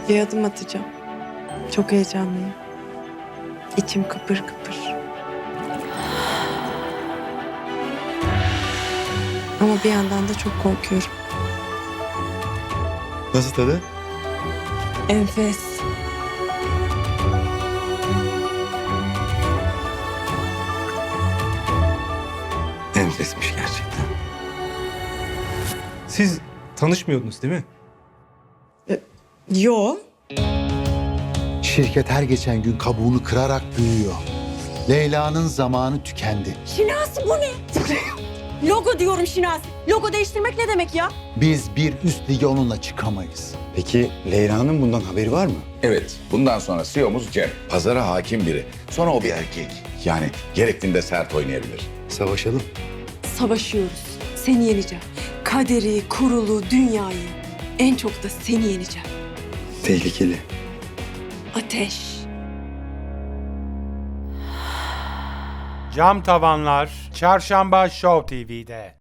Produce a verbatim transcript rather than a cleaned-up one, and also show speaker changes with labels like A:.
A: Bir adım atacağım. Çok heyecanlıyım. İçim kıpır kıpır. Ama bir yandan da çok korkuyorum.
B: Nasıl tadı?
A: Enfes.
B: Enfesmiş gerçekten.
C: Siz tanışmıyordunuz değil mi?
A: Yo.
D: Şirket her geçen gün kabuğunu kırarak büyüyor. Leyla'nın zamanı tükendi.
E: Şinasi bu ne? Logo diyorum Şinasi. Logo değiştirmek ne demek ya?
D: Biz bir üst lige onunla çıkamayız.
B: Peki Leyla'nın bundan haberi var mı?
F: Evet, bundan sonra C E O'muz Cem. Pazara hakim biri. Sonra o bir erkek. Yani gerektiğinde sert oynayabilir.
B: Savaşalım.
E: Savaşıyoruz. Seni yeneceğim. Kaderi, kurulu, dünyayı. En çok da seni yeneceğim.
B: Tehlikeli.
E: Ateş.
G: Cam Tavanlar Çarşamba Show T V'de.